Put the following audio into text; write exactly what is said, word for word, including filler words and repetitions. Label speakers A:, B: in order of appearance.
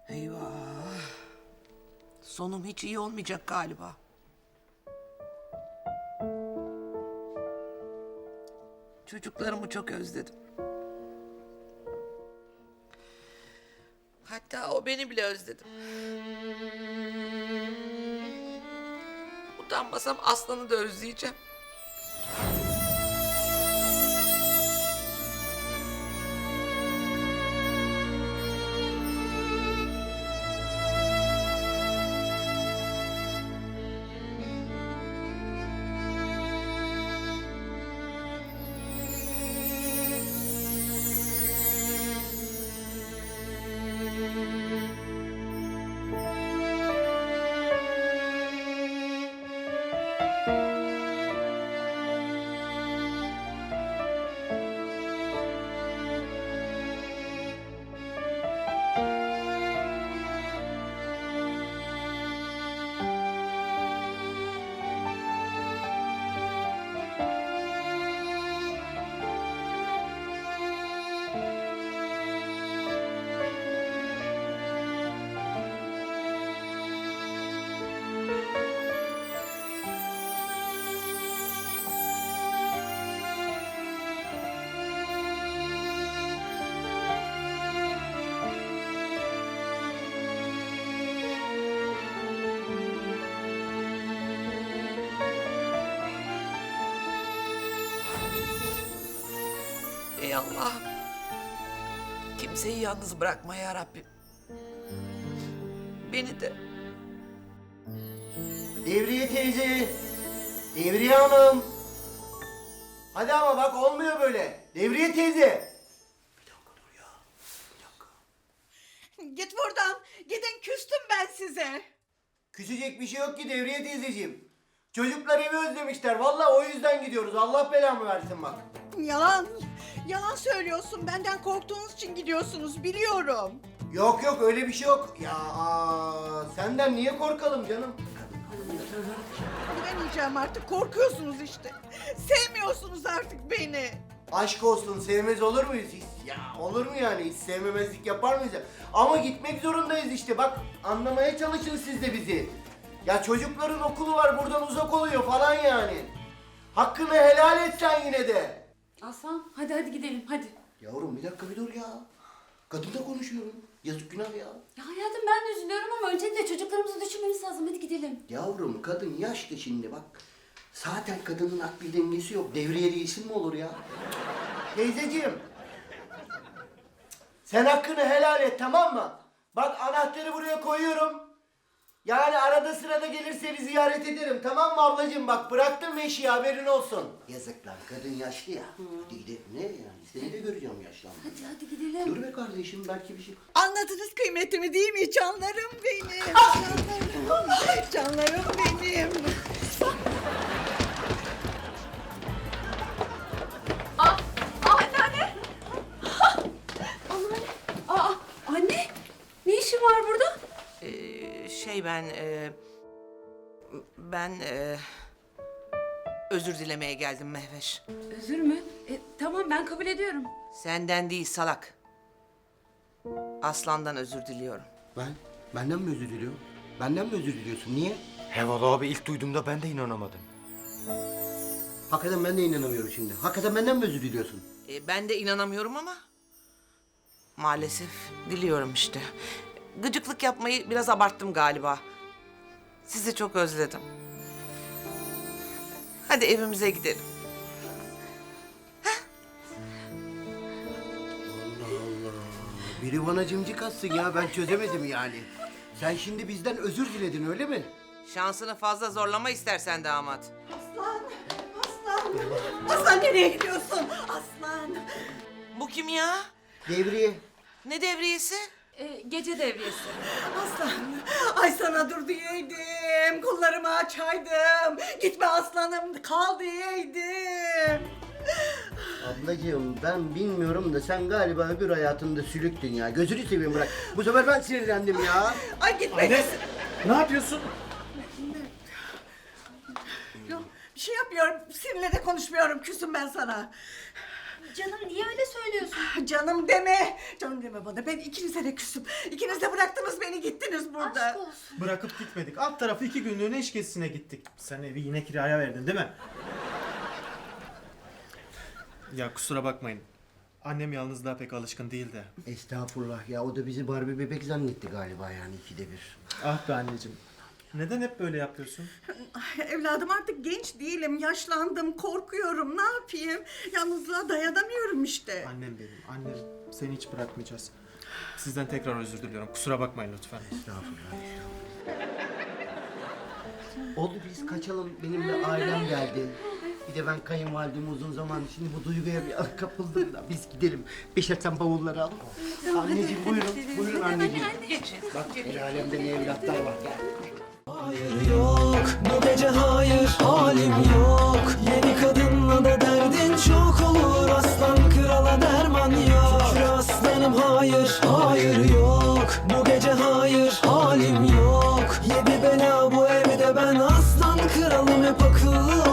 A: Eyvah. Sonum hiç iyi olmayacak galiba. Çocuklarımı çok özledim. Hatta o beni bile özledim. Utanmasam Aslan'ı da özleyeceğim. Ey Allah'ım. Kimseyi yalnız bırakma ya Rabbim. Beni de.
B: Devriye teyze, Devriye Hanım. Hadi ama bak olmuyor böyle. Devriye teyze. Bir dakika dur ya. Bir dakika.
C: Git buradan. Gidin, küstüm ben size.
B: Küsecek bir şey yok ki Devriye teyzeciğim. Çocuklar evi özlemişler. Vallahi o yüzden gidiyoruz. Allah belamı versin bak.
C: Yalan. Yalan söylüyorsun. Benden korktuğunuz için gidiyorsunuz, biliyorum.
B: Yok yok öyle bir şey yok. Ya aa, senden niye korkalım canım?
C: Bilemeyeceğim artık. Korkuyorsunuz işte. Sevmiyorsunuz artık beni.
B: Aşk olsun, sevmez olur muyuz hiç? Ya olur mu yani, hiç sevmemezlik yapar mıyız ya? Ama gitmek zorundayız işte, bak anlamaya çalışın siz de bizi. Ya çocukların okulu var, buradan uzak oluyor falan yani. Hakkını helal et sen yine de.
D: Aslan hadi hadi gidelim hadi.
B: Yavrum bir dakika bir dur ya. Kadınla konuşuyorum. Yazık günah ya.
D: Ya hayatım ben de üzülüyorum ama öncelikle çocuklarımızı düşünmemiz lazım, hadi gidelim.
B: Yavrum kadın yaşlı şimdi bak. Zaten kadının akli dengesi yok. Devriyeli isim mi olur ya? Teyzeciğim. Sen hakkını helal et, tamam mı? Bak anahtarı buraya koyuyorum. Yani arada sırada gelir seni ziyaret ederim, tamam mı ablacığım? Bak bıraktım eşiği, haberin olsun. Yazık lan, kadın yaşlı ya. Hadi gidelim, ne yani? Seni de göreceğim yaşlanma.
D: Hadi hadi gidelim.
B: Dur be kardeşim, belki bir şey...
C: Anladınız kıymetimi değil mi? Canlarım benim. Canlarım. Canlarım benim.
D: Aa, aa anneanne. Anneanne. Aa anne. Ne işin var burada?
A: Ee, şey ben... e, ben... e, özür dilemeye geldim Mehveş.
D: Özür mü? E, tamam ben kabul ediyorum.
A: Senden değil salak. Aslan'dan özür diliyorum.
B: Ben? Benden mi özür diliyorum? Benden mi özür diliyorsun? Niye?
E: He valla abi ilk duyduğumda ben de inanamadım.
B: Hakikaten ben de inanamıyorum şimdi. Hakikaten benden mi özür diliyorsun?
A: Ee, ben de inanamıyorum ama... maalesef diliyorum işte. Gıcıklık yapmayı biraz abarttım galiba. Sizi çok özledim. Hadi evimize gidelim.
B: Allah Allah. Biri bana cimcik atsın ya, ben çözemedim yani. Sen şimdi bizden özür diledin öyle mi?
A: Şansını fazla zorlama istersen damat.
C: Aslan. Aslan. Aslan nereye gidiyorsun? Aslan.
A: Bu kim ya?
B: Devriye.
A: Ne devriyesi?
D: E, gece devriyesi.
C: Aslan. Ay sana dur diyeydim. Kollarımı açaydım. Gitme aslanım. Kal diyeydim.
B: Ablacığım ben bilmiyorum da sen galiba öbür hayatında sülüktün ya. Gözünü seveyim bırak. Bu sefer ben sinirlendim ya.
C: Ay gitme.
E: Anne ne yapıyorsun?
C: Yok, bir şey yapmıyorum. Seninle de konuşmuyorum. Küsüm ben sana.
D: Canım niye öyle söylüyorsun?
C: Canım deme. Canım deme bana. Ben ikinize de küstüm. İkiniz de bıraktınız beni gittiniz burada.
D: Aşk olsun.
E: Bırakıp gitmedik. Alt tarafı iki günlüğüne iş gezisine gittik. Sen evi yine kiraya verdin değil mi? Ya kusura bakmayın. Annem yalnızlığa pek alışkın değil de.
B: Estağfurullah ya, o da bizi Barbie bebek zannetti galiba yani ikide bir.
E: Ah be anneciğim. Neden hep böyle yapıyorsun?
C: Ay, evladım artık genç değilim. Yaşlandım. Korkuyorum. Ne yapayım? Yalnızlığa dayanamıyorum işte.
E: Annem benim, annem. Seni hiç bırakmayacağız. Sizden tekrar özür diliyorum. Kusura bakmayın lütfen.
B: Estağfurullah. Oldu, biz kaçalım. Benim de ailem geldi. Bir de ben kayınvalidem uzun zaman şimdi bu duyguya bir an kapıldım da biz gidelim. Beşer sen bavulları al. Anneciğim buyurun, buyurun anneciğim. Bak el alemde ne evlatlar var. Gel.
F: Hayır yok, bu gece hayır, halim yok. Yeni kadınla da derdin çok olur. Aslan krala derman yok. Şükür aslanım hayır, hayır yok. Bu gece hayır, halim yok. Yedi bela bu evde, ben aslan kralım hep akıllı.